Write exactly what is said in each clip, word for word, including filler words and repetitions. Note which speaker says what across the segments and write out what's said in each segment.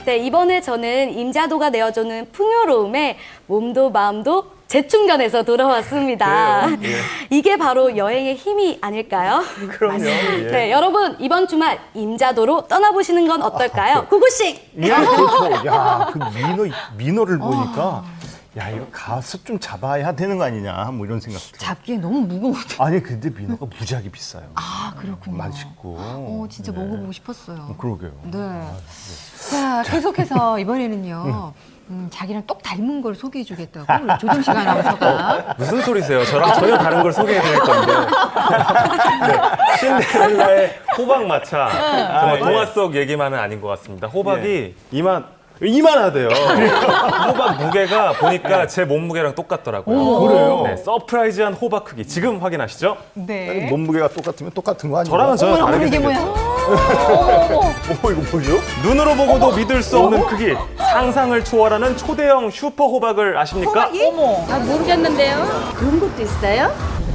Speaker 1: 네, 이번에 저는 임자도가 내어주는 풍요로움에 몸도 마음도 재충전해서 돌아왔습니다.
Speaker 2: 그래요? 예.
Speaker 1: 이게 바로 여행의 힘이 아닐까요?
Speaker 2: 그럼요. 예.
Speaker 1: 네, 여러분 이번 주말 임자도로 떠나보시는 건 어떨까요? 구구씨!
Speaker 2: 예, 그렇죠. 야, 그 민어, 민어를 보니까 야, 이거 가서 좀 잡아야 되는 거 아니냐, 뭐 이런 생각 들어요.
Speaker 3: 잡기에 너무 무거워요.
Speaker 2: 아니, 근데 민어가 무지하게 비싸요.
Speaker 3: 아, 그렇군요.
Speaker 2: 맛있고.
Speaker 3: 어, 진짜
Speaker 2: 네.
Speaker 3: 먹어보고 싶었어요.
Speaker 2: 그러게요.
Speaker 3: 네. 자, 계속해서 이번에는요. 음, 자기랑 똑 닮은 걸 소개해주겠다고 우리 조정식 아나운서가.
Speaker 4: 무슨 소리세요? 저랑 전혀 다른 걸 소개해 드릴 건데. 네, 신데렐라의 호박 마차. 정말 동화 속 얘기만은 아닌 것 같습니다. 호박이 이만 이만하대요. 호박 무게가 보니까 제 몸무게랑 똑같더라고요.
Speaker 2: 오, 그래요?
Speaker 4: 네, 서프라이즈한 호박 크기. 지금 확인하시죠?
Speaker 3: 네.
Speaker 2: 몸무게가 똑같으면 똑같은 거 아니에요?
Speaker 4: 저랑은 전혀
Speaker 3: 어머,
Speaker 4: 다르게
Speaker 3: 이게 뭐야?
Speaker 4: 생겼죠.
Speaker 2: 어, 이거 뭐죠?
Speaker 4: 눈으로 보고도 믿을 수 없는 크기. 상상을 초월하는 초대형 슈퍼 호박을 아십니까?
Speaker 3: 어머.
Speaker 1: 아, 모르겠는데요. 그런 것도 있어요?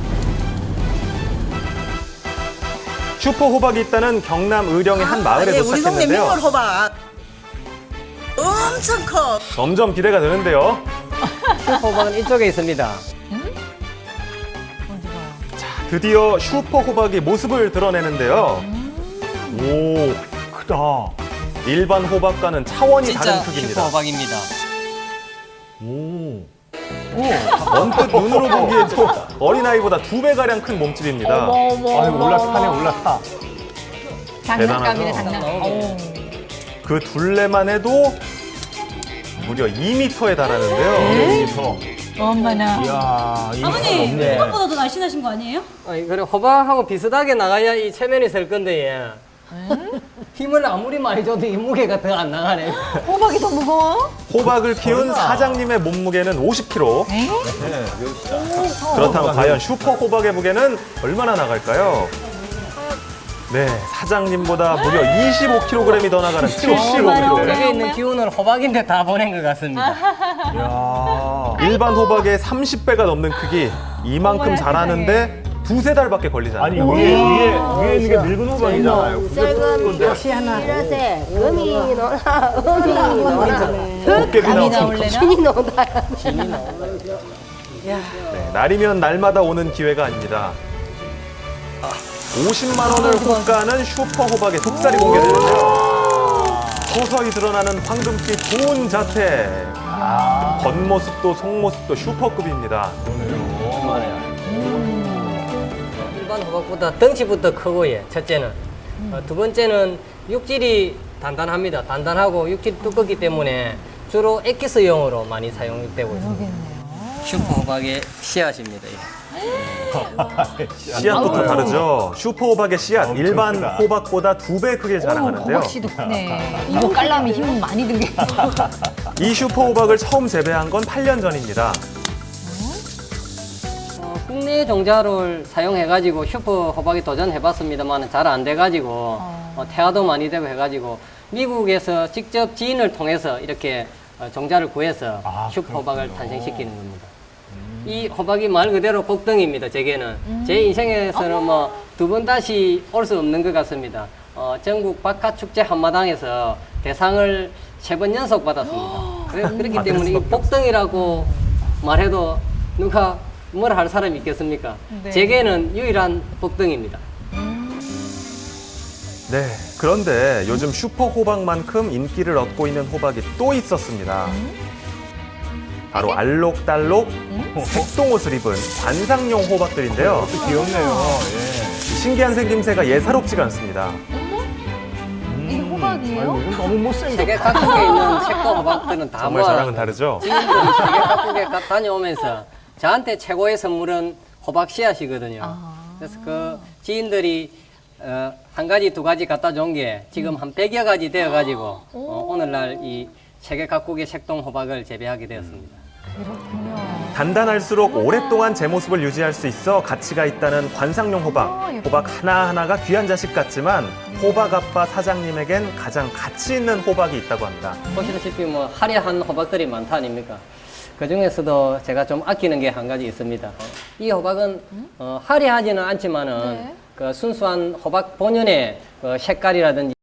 Speaker 4: 슈퍼 호박이 있다는 경남 의령의 한 마을에
Speaker 5: 예, 우리 동네
Speaker 4: 도착했는데요.
Speaker 5: 민물 호박 엄청 커.
Speaker 4: 점점 기대가 되는데요.
Speaker 6: 호박은 이쪽에 있습니다.
Speaker 4: 드디어 슈퍼 호박이 모습을 드러내는데요.
Speaker 2: 오, 크다.
Speaker 4: 일반 호박과는 차원이 다른
Speaker 6: 진짜
Speaker 4: 크기입니다.
Speaker 6: 슈퍼 호박입니다.
Speaker 2: 오.
Speaker 4: 언뜻 눈으로 보기에도 어린아이보다 두 배가량 큰 몸집입니다.
Speaker 2: 아유, 올라타네, 올라타.
Speaker 3: 장난감이네,
Speaker 4: 대단하죠?
Speaker 3: 장난감. 어.
Speaker 4: 그 둘레만 해도 무려 이 미터에 달하는데요.
Speaker 2: 여기서.
Speaker 3: 엄마나.
Speaker 2: 이야, 이거
Speaker 7: 아버님,
Speaker 2: 없네.
Speaker 7: 호박보다 더 날씬하신 거 아니에요?
Speaker 6: 아니, 그래 호박하고 비슷하게 나가야 이 체면이 설 건데 얘. 힘을 아무리 많이 줘도 이 무게가 더 안 나가네.
Speaker 3: 호박이 더 무거워?
Speaker 4: 호박을 키운 사장님의 몸무게는 오십 킬로그램.
Speaker 2: 네, 몇
Speaker 4: 그렇다면 과연 슈퍼 호박의 무게는 얼마나 나갈까요? 네, 사장님보다 무려 이십오 킬로그램이 더 나가는 칠십오 킬로그램.
Speaker 6: 여기 있는 기운을 호박인데 다 보낸 것 같습니다.
Speaker 2: 야.
Speaker 4: 일반 호박의 삼십 배가 넘는 크기. 이만큼 자라는데 두세 달밖에 걸리지
Speaker 2: 아니,
Speaker 4: 않아요.
Speaker 2: 위에, 위에, 위에 있는 게 늙은 호박이잖아요. 그게 큰 건데.
Speaker 8: 이러세 금이 노나 음이 노나
Speaker 4: 도깨비
Speaker 3: 감이
Speaker 4: 나오는
Speaker 3: 나올래나?
Speaker 8: 신이 노나
Speaker 4: 네, 날이면 날마다 오는 기회가 아닙니다. 오십만 원을 호가는 슈퍼 호박의 속살이 공개되는데요. 서서히 드러나는 황금빛 고운 자태. 겉모습도 속모습도 슈퍼급입니다.
Speaker 6: 일반 호박보다 덩치부터 크고 예. 첫째는. 어, 두 번째는 육질이 단단합니다. 단단하고 육질이 두껍기 때문에 주로 엑기스용으로 많이 사용되고 있습니다. 슈퍼 호박의 씨앗입니다. 예.
Speaker 4: 씨앗부터 다르죠. 슈퍼 호박의 씨앗, 일반 호박보다 두 배 크게 자라가는데요.
Speaker 3: 호박씨도 크네. 이거 깔라면 힘 많이 들겠어.
Speaker 4: 이 슈퍼 호박을 처음 재배한 건 팔 년 전입니다.
Speaker 6: 어, 국내 종자를 사용해가지고 슈퍼 호박이 도전해봤습니다만 잘 안 돼가지고 어, 태화도 많이 되고 해가지고 미국에서 직접 지인을 통해서 이렇게 어, 종자를 구해서
Speaker 2: 아,
Speaker 6: 슈퍼 호박을
Speaker 2: 그렇군요.
Speaker 6: 탄생시키는 겁니다. 이 호박이 말 그대로 복덩이입니다. 제게는 제 인생에서는 뭐 두 번 다시 올 수 없는 것 같습니다. 어, 전국 박하축제 한마당에서 대상을 세 번 연속 받았습니다. 그래, 그렇기 때문에 이 복덩이라고 말해도 누가 뭐라 할 사람이 있겠습니까?
Speaker 3: 네.
Speaker 6: 제게는 유일한 복덩이입니다.
Speaker 4: 네, 그런데 요즘 슈퍼 호박만큼 인기를 얻고 있는 호박이 또 있었습니다. 바로 알록달록 색동옷을 입은 관상용 호박들인데요.
Speaker 2: 귀엽네요. 예.
Speaker 4: 신기한 생김새가 예사롭지가 않습니다.
Speaker 3: 이게 호박이에요?
Speaker 2: 이건 너무 못생겼다.
Speaker 6: 세계 각국에 있는 색동 호박들은 다
Speaker 4: 정말
Speaker 6: 모아
Speaker 4: 저랑은 다르죠?
Speaker 6: 지인들이 세계 각국에 가- 다녀오면서 저한테 최고의 선물은 호박 씨앗이거든요. 그래서 그 지인들이 어, 한 가지, 두 가지 갖다 준 게 지금 한 백여 가지 되어가지고 어, 오늘날 이 세계 각국의 색동 호박을 재배하게 되었습니다.
Speaker 3: 그렇군요.
Speaker 4: 단단할수록 오랫동안 제 모습을 유지할 수 있어 가치가 있다는 관상용 호박. 호박 하나하나가 귀한 자식 같지만 호박 아빠 사장님에겐 가장 가치 있는 호박이 있다고 합니다.
Speaker 6: 보시다시피 뭐 화려한 호박들이 많다 아닙니까? 그 중에서도 제가 좀 아끼는 게 한 가지 있습니다. 이 호박은 어, 화려하지는 않지만은
Speaker 3: 네.
Speaker 6: 그 순수한 호박 본연의 그 색깔이라든지